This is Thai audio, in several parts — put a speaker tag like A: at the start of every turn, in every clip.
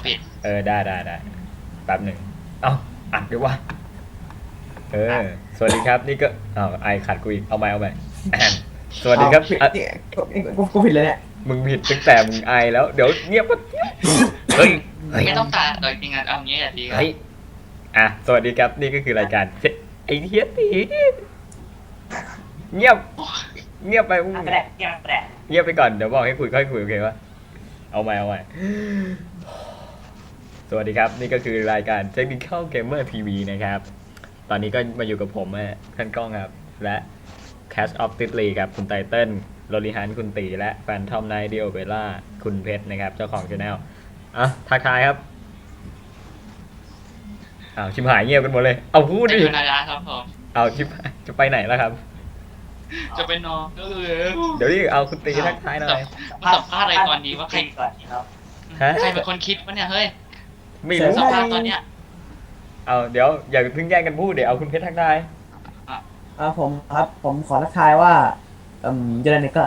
A: ปิด
B: ได้แป๊บหนึ่งเอ้าอัดดีว่าสวัสดีครับนี่ก็ไอขัดกูอีกเอาใหม่สวัสดีครับ
C: ผิดเนี่ยกูผิดเลยเนี่ย
B: มึงผิดตั้งแต่มึงไอแล้วเดี๋ยวเงียบก็เฮ้ย
A: ไม่ต้องตัดโดยจริงๆเอางี้อ่ะดีครับ
B: เฮ้ยสวัสดีครับนี่ก็คือรายการไอเทียตีเงียบไปมึง
D: แปลกเงียบแปลก
B: เงียบไปก่อนเดี๋ยวบอกให้คุยค่อยคุยโอเคปะเอาใหม่สวัสดีครับนี่ก็คือรายการ Technical Gamer TV นะครับตอนนี้ก็มาอยู่กับผมท่านก้องครับและ Cash of t i t l y ครับคุณไตเติ้ลโรลิฮันคุณตีและแฟนทอมไนท์ดิโอเบล่าคุณเพชรนะครับเจ้าของช anel ทักทายครับชิมหายเงียบกันหมดเลยเอาพูดดิ
A: นายครับผม
B: ชิมจะไปไหนแล้วครับ
A: จะไปนอนก็เลย
B: เดี๋ยวดิเอาคุณตีทักทายหน่อย
A: สัมภาษณ์อะไรตอนนี้ว่าใคร
D: ก่อนครับ
A: ใครเป็นคนคิดวะเนี่ยเฮ้ย
B: ไม่รู้
A: สัมภาษณ์ตอนเนี้ย
B: เดี๋ยวอย่าเพิ่งแย่งกันพูดเดี๋ยวเอาคุณเพชรทักทาย
C: ผมครับผมขอทักทายว่าเจริญเนี่ยก็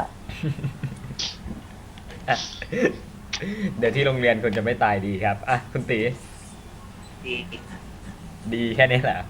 B: เดี๋ยวที่โรงเรียนคุณจะไม่ตายดีครับคุณตีดีแค่นี้แหละ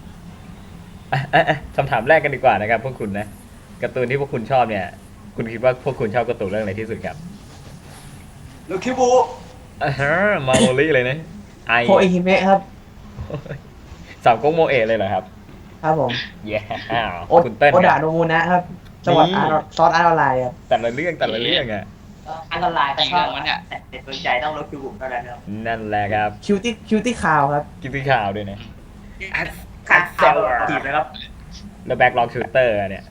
B: คำถามแรกกันดีกว่านะครับพวกคุณนะการ์ตูนที่พวกคุณชอบเนี่ยคุณคิดว่าพวกคุณชอบการ์ตูนเรื่องอะไรที่สุดครับ
D: ลูคิบู
B: มาโมลี่เลยนะ
C: โคเอฮิเมะครับ
B: สามก๊กโมเอะเลยเหรอครับ
C: ครับผม
B: คุณเต้น
C: โอดาโนมูนะครับจังหวัดซอสอาร์ตออนไลน์ครับ
B: แต่ละเรื่อง
D: อาร์ตออนไลน์ก็ชอบแต่เด็ดดวงใจต้องลูคิบูเท่านั้นครับ
B: นั่นแหละครับ
C: คิวตี้ข่าวครับ
B: คิวตี้ข่าวด้วยนะ
D: ข่าวจีบนะครับ
B: แล้วแบ็กล็อกชูเตอร์เนี่ย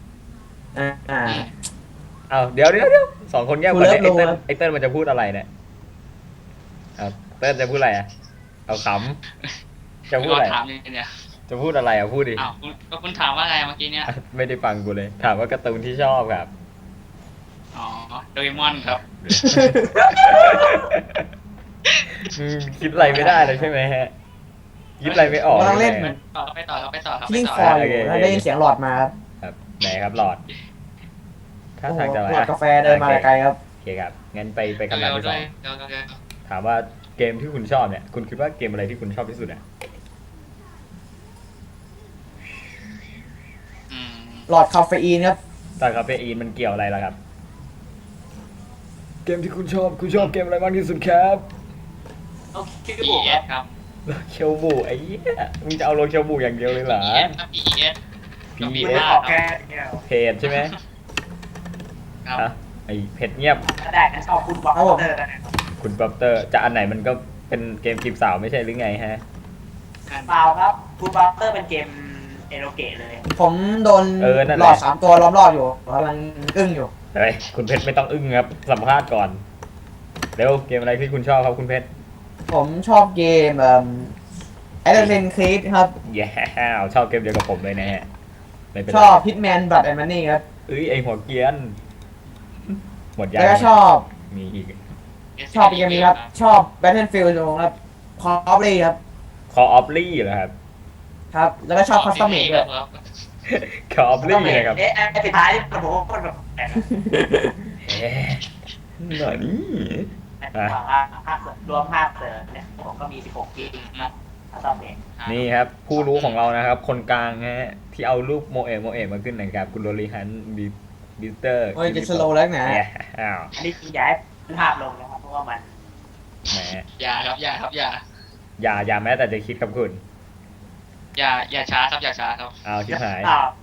B: เดี๋ยวสองคนแยกกันไอเติ้ลมันจะพูดอะไรเนี่ยเติ้ลจะพูดอะไรเอาขำจะพูดอะไรจะพูดอะไรพูดดิ
A: ก็คุณถามว่าอะไรเมื่อกี้เนี่ย
B: ไม่ได้ฟังกูเลยถามว่าการ์ตูนที่ชอบครับ
A: โดเรมอนครับ
B: คิดอะไรไม่ได้เลยใช่ไหมฮะคิดอะไรไม่ออก
C: ต้องเล่น
A: ไปต่อครับ
C: ยิ่งคออยู่ได้ยินเสียงหลอดมา
B: ครับไหนครับหลอดถ้าทางจะ
C: อะไรกาแฟเดินมาไกลครับ
B: โอเคครับงั้นไปคำถามที่สองถามว่าเกมที่คุณชอบเนี่ยคุณคิดว่าเกมอะไรที่คุณชอบที่สุด
C: หลอดคาเฟอีนครับ
B: หลอดคาเฟอีนมันเกี่ยวอะไรล่ะครับเกมที่คุณชอบเกมอะไรมากที่สุดครับ
D: คิบู
A: ครับ
B: เคียวบูไอ้เหี้ยมึงจะเอาโลเคียวบูอย่างเดียวเลยเหรอ
D: PES ออกแค่
B: เพจใช่ไหมไอ้เพจเงียบ
D: ได้ชอบคุณบ๊อบเตอร์
B: คุณบ๊อบเตอร์จะอันไหนมันก็เป็นเกมจีบสาวไม่ใช่หรือไงฮะ
D: เปล่าครับคุณบ๊อบเตอร์เป็นเกมเอโรเกะเลย
C: ผมโดนหลอด3 ตัวล้อมรอบอยู่กำลังอึ้งอยู่
B: เฮ้ยคุณเพชรไม่ต้องอึ้งครับสัมภาษณ์ก่อนเร็วเกมอะไรที่คุณชอบครับคุณเพชร
C: ผมชอบเกมAssassin's Creed ครับ
B: ชอบเกมเดียวกับผมเลยนะฮะ
C: ชอบ Hitman Blood and Money ครับ
B: ไอหัวเกียนหมดยา
C: แล้วก็ชอบ
B: มีอีก
C: ชอบเกมนี้ครับชอบ Battlefield ครับ Call of Duty ครับ
B: Call of Duty เหรอครับ
C: ครับแล้วก็ชอบ Custom Made ด้วย
B: Call of Duty นะครับ
D: สุดท้ายผมก็แบบ
B: หน่อยนี่
D: รวมภาคเสริมเนี่ยผมก็มี16 เกมนะ
B: นี่ครับผู้รู้ของเรานะครับคนกลางฮะที่เอารูปโมเอะมาขึ้นนะครับคุณโรลิฮันบิสเตอร์
C: จะสโลว์แล้วนะ
D: อันนี้ย้ายภาพลงนะครับเพราะว่ามัน
B: แหม
A: อย่า
B: แม้แต่จะคิดครับคุณ
A: อย่าช้าครับ
B: ชิบหาย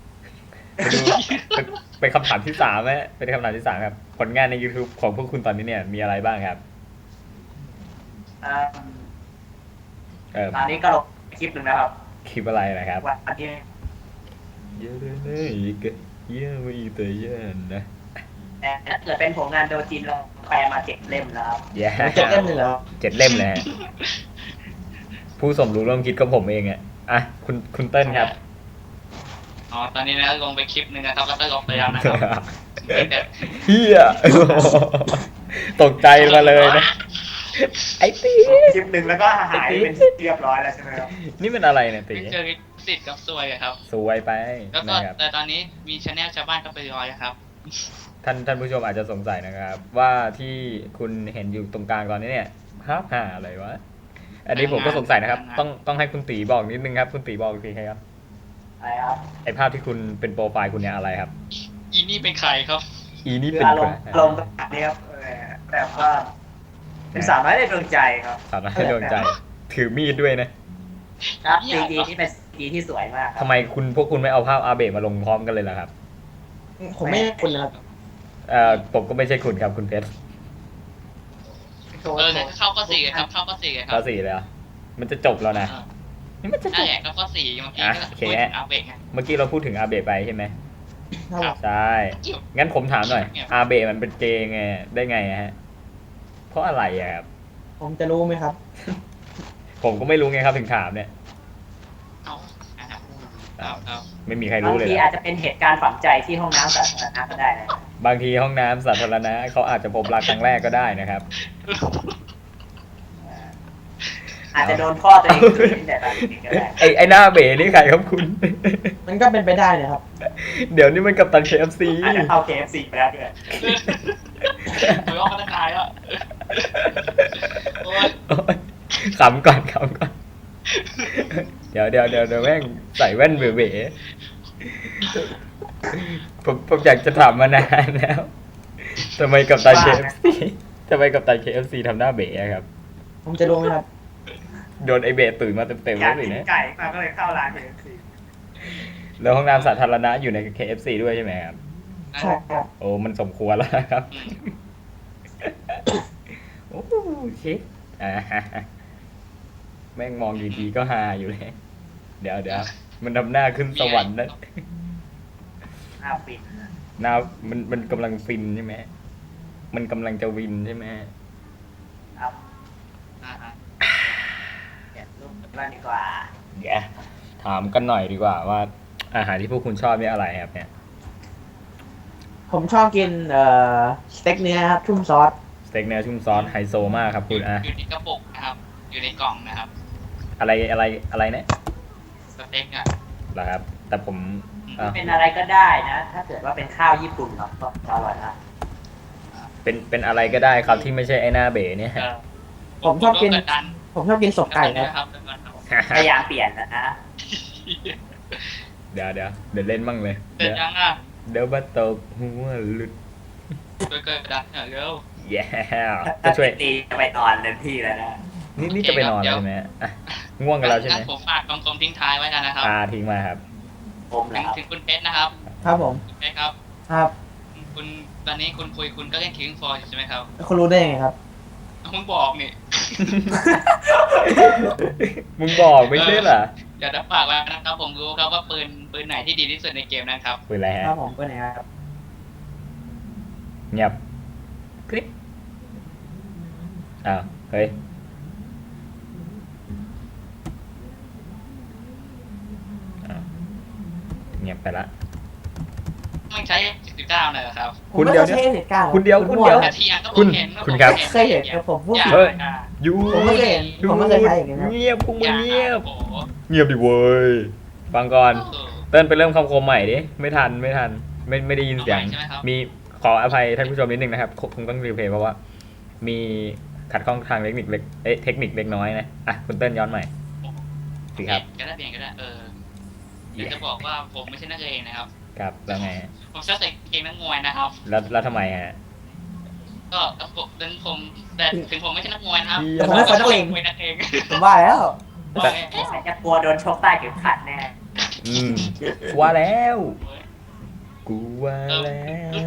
B: เป็นคำถามที่3ไหมเป็นคำถามที่3ครับผลงานใน YouTube ของพวกคุณตอนนี้เนี่ยมีอะไรบ้างครับ
D: ตอนนี้ก็ลงคลิปหนึ่งนะครับ
B: คลิปอะไรนะครับ
D: วันที่
B: เยอะเลยเยอะไม่แต่เยอะนะ
D: แต่ถ้าเกิดเป็นผลงานโดจีนเราแปลมา7 เล่มแล้วครับ
C: 7 เล่มเลยเหรอ
B: 7 เล่มเลยผู้สมรู้ร่วมคิดก็ผมเองคุณเติ้ลครับ
A: ตอนนี้นะลงไปคลิปนึงนะครับแล้วก็ลงไปแล้วนะครับ
B: เฮียตกใจมาเลยนะไอ้ตี
D: คลิปหนึ่งแล้วก็หายเป็นเรียบร้อยแล้วใช่ไหมครับ
B: นี่มันอะไรเนี่ยตี
A: เจอติดกับซวยครับ
B: ซวยไป
A: แล้วก็แต่ตอนนี้มีชาแนลชาวบ้านก็ไปรอยครับ
B: ท่านผู้ชมอาจจะสงสัยนะครับว่าที่คุณเห็นอยู่ตรงกลางตอนนี้เนี่ยห้าอะไรวะ อันนี้ผมก็สงสัยนะครับ ต้องให้คุณตีบอกนิดนึงครับ คุณตีบอกทีครับ
D: อะไรครับ
B: ไอภาพที่คุณเป็นโปรไฟล์คุณเนี่ยอะไรครับ
A: อีนี่เป็นใครครับ
B: อีนี่
D: คือ
B: เป็น
D: อาร
B: ใคร
D: มณ์แบบนี้ครับแบบว่าเป็นสาวน้อยในดวงใจครับ
B: สาวน้อยในดวงใจ ถือมีดด้วยนะ
D: ครับซีดีนี่เป็นซีดีที่สวยมากครั
B: ทำไมพวกคุณไม่เอาภาพอาเบะมาลงพร้อมกันเลยล่ะครับ
C: ผมไม่ให้คุณนะครับ
B: ผมก็ไม่ใช่คุณครับคุณเพชร
A: งั้นเข้าข้อสี่กันครับ เข้าข้อสี่กันค
B: ข้
A: รั
B: อบ 4เลยเหรอมันจะจบแล้วนะ นี่มันจะจ
A: นั่น
B: บ
A: แหละก็ข้อสี่เมื่อกี้
B: อ่ะ
A: ก็
B: โอเค
A: คุยถึงอาเบะไง
B: เมื่อกี้เราพูดถึงอาเบะไปใช่ไหม
C: ครับ
B: ใช่ งั้นผมถามหน่อย อาเบะมันเป็นเกย์ไงได้ไงอะฮะ เพราะอะไรอะครับ
C: ผมจะรู้ไหมครับ
B: ผมก็ไม่รู้ไงครับถึงถามเนี่ย
A: เอาอ่ะครับเอา
B: ไม่มีใคร
D: บา
B: รู้
D: ง
B: เลย
D: ที
B: เหร
D: อา
B: อ
D: จจะเป็นเหตุการณ์ฝังใจที่ห้องน้ำสาธารณะก็ได้นะ
B: บางทีห้องน้ำสาธารณะเขาอาจจะพบรักครั้งแรกก็ได้นะครับ
D: อาจจะโดนพ่อตัวเองคืนแต่ตอนเด็กก็ได้
B: ไอหน้าเบ๋นี่ใครครับคุณ
C: มันก็เป็นไปได้นะครับ
B: เดี๋ยวนี้มันกับตัน KFC
D: อาจจะเข้า KFC ไปแล้วด้วย
A: คุยว่าพัฒนาแล้วโอ้ย
B: โอ๊ยขำก่อนเดี๋ยวแม่งใส่แว่นเบ๋ๆผมอยากจะถามมานานแล้วทำไมกับตัน KFC ทำไมกับตัน KFC ทำหน้าเบ๋อะครับ
C: ผมจะรู้ไหมครับ
B: โดนไอเบ๋ตื่นมาเต็มๆ
D: อยา
B: แล้
D: ก
B: วสิ
D: กิน
B: นะ
D: ไก่มาก็เลยเข้าร้าน KFC
B: แล้วห้องน้ำสาธารณะอยู่ใน KFC ด้วยใช่ไหมครับ
C: ใช่ครับ
B: โอ้มันสมควรแล้วนะครับ โอ้ชิดแม่งมองดีๆก็ฮาอยู่เลย เดี๋ยวมันทำหน้าขึ้นสวรรค์นะ
D: หน้าปิด
B: หน้ามันกำลังฟินใช่ไหม มันกำลังจะวินใช่ไหม
D: ครับ
A: อ่ะ
D: เก็บรูปบ้านดีกว่า
B: เดี๋ยวถามกันหน่อยดีกว่าว่า อาหารที่พวกคุณชอบนี่อะไรครับเนี่ย
C: ผมชอบกินสเต็กเนื้อครับชุ่มซอส
B: สเต็กเนื้อชุ่มซอสไฮโซมากครับคุณอะ
A: อยู่ในกระปุกนะครับ อยู่ในกล่องนะครับ
B: อะไรเนี่ย
A: สเต็กอ่ะ
B: เหรอครับ แต่ผมอ่ะ
D: เป็นอะไรก็ได้นะ ถ้าเกิดว่าเป็นข้าวญี่ปุ่นเนาะก็อร่อยนะ
B: เป็นอะไรก็ได้ครับที่ไม่ใช่ไอ้หน้าเบ๋เนี่ย
C: ผมชอบกิน
A: กดดัน
C: ผมชอบกินศพไก่ครับ
A: นะครับ
D: พยายามเปลี่ยนนะ
B: เดี๋ยวเล่นบ้างเลย
A: เสร็จยังอ่ะ
B: เดี๋ยวบัตตกหัวหลุด
A: ช่วยกดดันเร็ว
B: แย่
D: ถ้า
B: จะช่วย
D: ตีจะไปนอนเต็มที่แล้วนะ
B: นี่จะไปนอนแล้วใช่ไหมอ่ะง่วงกันแล้วใช่ไหม
A: งั้นผมฝากคำทิ้งท้ายไว้กันนะครับ
B: ทิ้งมาครับ
D: ผม
A: ถึ
D: นะ
A: ง
D: ครับ
A: ถึงคุณเพชรนะครับ
C: ครับผม
A: คุณเพชรครับ
C: ครับ
A: คุณตอนนี้คุณก็เล่นคิงฟอร์ใช่ไหมครับ
C: คุณรู้ได้ยังไงครับ
A: มึงบอกนี่
B: มึงบอกไม่ใช่เหรอ
A: เดี๋ยวจะฝากไว้นะครับ ผมรู้ครับว่าปืนไหนที่ดีที่สุดในเกมนะครับ
B: คุยอะไร
C: ค
B: ฮะ
C: รับผมเป็นไงครับ
B: เงียบคลิปอ้าวเฮ้ยอ้าวเงียบไปละ
A: มันใช้19เลยเหรอครับ
B: คุณ
C: ผม
B: เดียว
C: ไม่ใช่เหตุการณ์
B: คุณเดียว
C: มั่
B: คุณเดียว
C: แล้
A: แต่ทีอ่ะก็
B: คุณ
A: ผมเห็น
B: คุณครับ
C: เคยเห็นครับผมพูด
A: อย่า
C: ผิด
B: เฮ้ย
A: อ่ะ
B: ยู
C: ผมไม่เคยเห็นผมไม่เคยใช้อย่างนี้ครับ
B: เงียบพวกมึงเงียบ
A: โอ้โห
B: เงียบดิเว้ยฟังก่อน
A: เออ
B: เติ้ลไปเริ่มคำคมใหม่ดิไม่ทันไม่ได้ยินเสียง
A: เอาใหม่ใช่ไหมครับ
B: มีขออภัยท่านผู้ชมนิดนึงนะครับคงต้องรีเพลย์เพราะว่า มีขัดข้องทางเทคนิคเล็กเทคนิคเล็กน้อยนะอ่ะคุณเติ้ลย้อนใหม่สิครับ
A: ก็ได้เปลี่ยนก็ได้เดี๋ยวจะบอกว่าผมไม่ใช่นักเลงนะครับ
B: ครับแล้วไง
A: ผมชอบใส่กางเกงนักมวยนะครับ
B: แล้วทำไมฮะ
A: ก็ผมแต่ถึงผมไม่ใช่นักมวยนะครับ
C: แต่ผมไม่ใช่นักเลง
A: มวยนักเลง
C: ผมว่าแล้ว
A: ว่าไง
D: ใครจะกลัวโดนชกใต้เข็มขัดแน่
B: อืมว่าแล้วกูว่าแล้ว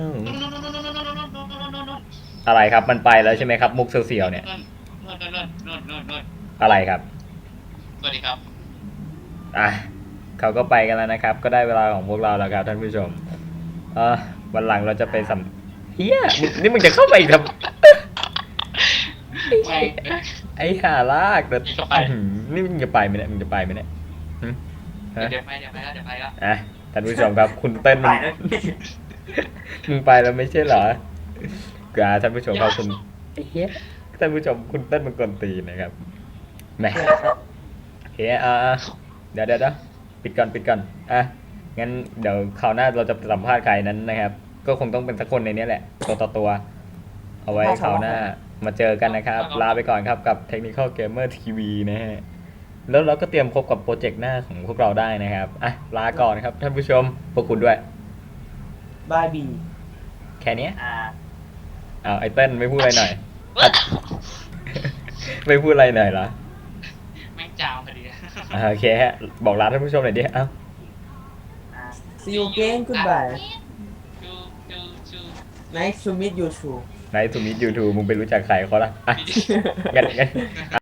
B: อะไรครับมันไปแล้วใช่ไหมครับ มุกเสียวๆเนี่ย
A: นู่น
B: อะไรครับ
A: สวัสดีครับ
B: อ่ะเขาก็ไปกันแล้วนะครับ ก็ได้เวลาของพวกเราแล้วครับท่านผู้ชมวันหลังเราจะไปสัมเฮียนี่มึงจะเข้าไปอีกทำ
A: ไม่
B: ไอ้ห่าลากแต่
A: เข้าไป
B: นี่มึงจะไปไหมเนี่ยมึงจะไปไหมเนี่ยหึฮะ
A: เดี๋ยวไปแล้ว
B: อ่ะท่านผู้ชมครับ คุณเต้น
D: ไป
B: มัน
D: แล้ว
B: มึงไปแล้วไม่ใช่เหรอท่านผู้ชมครับคุณไอ้เหี้ยท่านผู้ชมคุณเต้นมันกวนตีนนะครับแหมโอเคเดี๋ยวปิดก่อนอ่ะงั้นเดี๋ยวคราวหน้าเราจะสัมภาษณ์ใครนั้นนะครับ ก็คงต้องเป็นสักคนในนี้แหละตัวต่อตัว เอาไว้คราวหน้ามาเจอกันนะครับ ลาไปก่อนครับกับ Technical Gamer TV นะฮะ แล้วเราก็เตรียมพบกับโปรเจกต์หน้าของพวกเราได้นะครับ อ่ะ ลาก่อนครับท่านผู้ชม พวกคุณด้วย
C: บายบี
B: แค่เนี้ย
D: อ่า
B: อ้าวไอเติ้ลไม่พูดอะไรหน่อย ไม่พูดอะไรหน่อยเหรอ
A: แม่งจามพอดี
B: โอเคฮะ บอกลาท่านผู้ชมหน่อยดิ เอ้า
D: อ่า
C: see you again goodbye
A: ชูชูชู
C: nice to meet you too
B: ไหนทูมิดยูทูมึงไปรู้จักใครเขาล่ะอ่ะงั้น